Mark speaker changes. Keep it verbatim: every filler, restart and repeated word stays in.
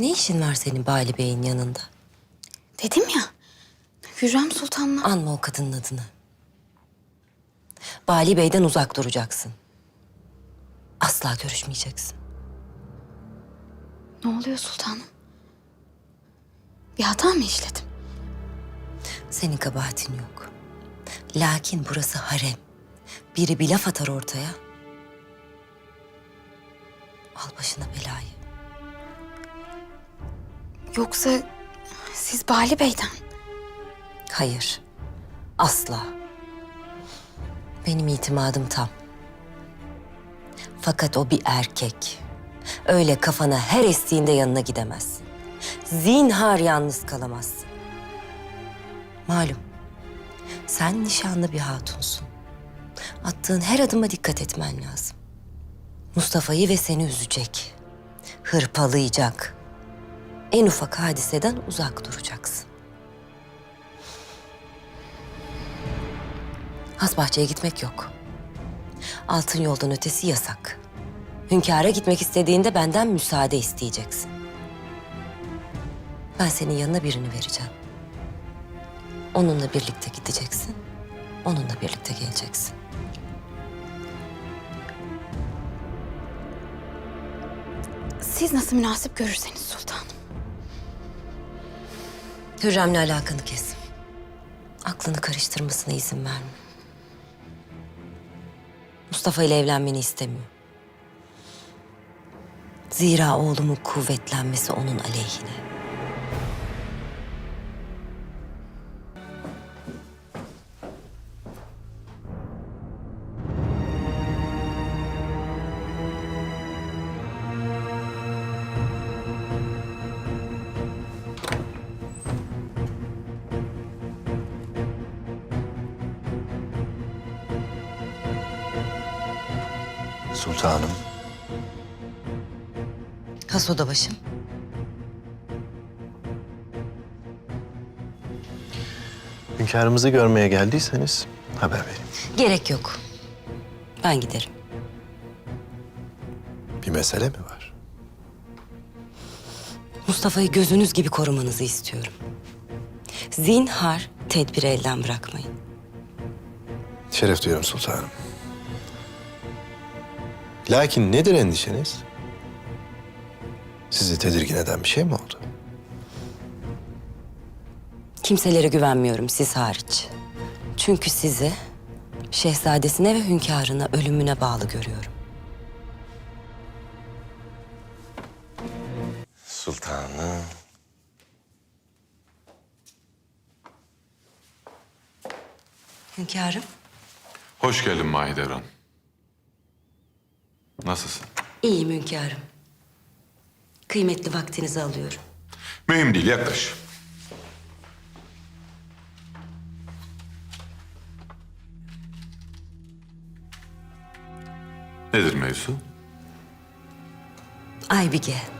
Speaker 1: Ne işin var senin Bali Bey'in yanında?
Speaker 2: Dedim ya, Hürrem Sultan'la...
Speaker 1: Anma o kadının adını. Bali Bey'den uzak duracaksın. Asla görüşmeyeceksin.
Speaker 2: Ne oluyor sultanım? Bir hata mı işledim?
Speaker 1: Senin kabahatin yok. Lakin burası harem. Biri bir laf atar ortaya. Al başına belayı.
Speaker 2: Yoksa siz Bali Bey'den?
Speaker 1: Hayır. Asla. Benim itimadım tam. Fakat o bir erkek. Öyle kafana her estiğinde yanına gidemezsin. Zinhar yalnız kalamazsın. Malum, sen nişanlı bir hatunsun. Attığın her adıma dikkat etmen lazım. Mustafa'yı ve seni üzecek. Hırpalayacak. En ufak hadiseden uzak duracaksın. Hasbahçe'ye gitmek yok. Altın yoldan ötesi yasak. Hünkâr'a gitmek istediğinde benden müsaade isteyeceksin. Ben senin yanına birini vereceğim. Onunla birlikte gideceksin. Onunla birlikte geleceksin.
Speaker 2: Siz nasıl münasip görürseniz sultanım.
Speaker 1: Hürrem'le alakanı kes. Aklını karıştırmasına izin verme. Mustafa ile evlenmeni istemiyor. Zira oğlumun kuvvetlenmesi onun aleyhine.
Speaker 3: Sultanım.
Speaker 1: Has odabaşım.
Speaker 3: Hünkârımızı görmeye geldiyseniz haber verin.
Speaker 1: Gerek yok. Ben giderim.
Speaker 3: Bir mesele mi var?
Speaker 1: Mustafa'yı gözünüz gibi korumanızı istiyorum. Zinhar tedbiri elden bırakmayın.
Speaker 3: Şeref duyuyorum sultanım. Lakin nedir endişeniz? Sizi tedirgin eden bir şey mi oldu?
Speaker 1: Kimselere güvenmiyorum siz hariç. Çünkü sizi şehzadesine ve hünkârına ölümüne bağlı görüyorum.
Speaker 4: Sultanım.
Speaker 1: Hünkârım.
Speaker 5: Hoş geldin Mahidevran. Nasılsın?
Speaker 1: İyiyim hünkârım. Kıymetli vaktinizi alıyorum.
Speaker 5: Mühim değil, yaklaş. Nedir mevzu?
Speaker 1: Aybige.